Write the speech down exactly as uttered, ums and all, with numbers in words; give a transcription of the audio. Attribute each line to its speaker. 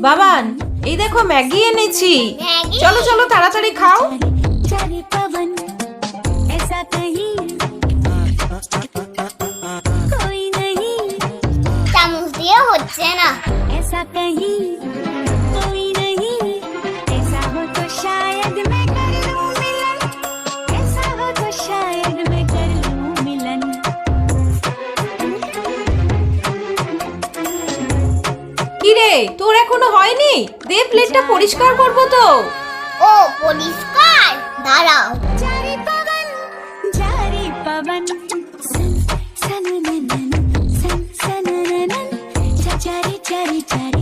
Speaker 1: বাবান, এই দেখো ম্যাগি এনেছি, চলো চলো তাড়াতাড়ি খাও।
Speaker 2: চামচ দিয়ে হচ্ছে না।
Speaker 1: কিরে, তোর এখনো হয়নি? দে, প্লেটটা পরিষ্কার করবো তো।
Speaker 2: ও পরিষ্কার, দাঁড়াও।
Speaker 3: জারি পবন জারি পবন সন সনননন সন সনননন জারি জারি জারি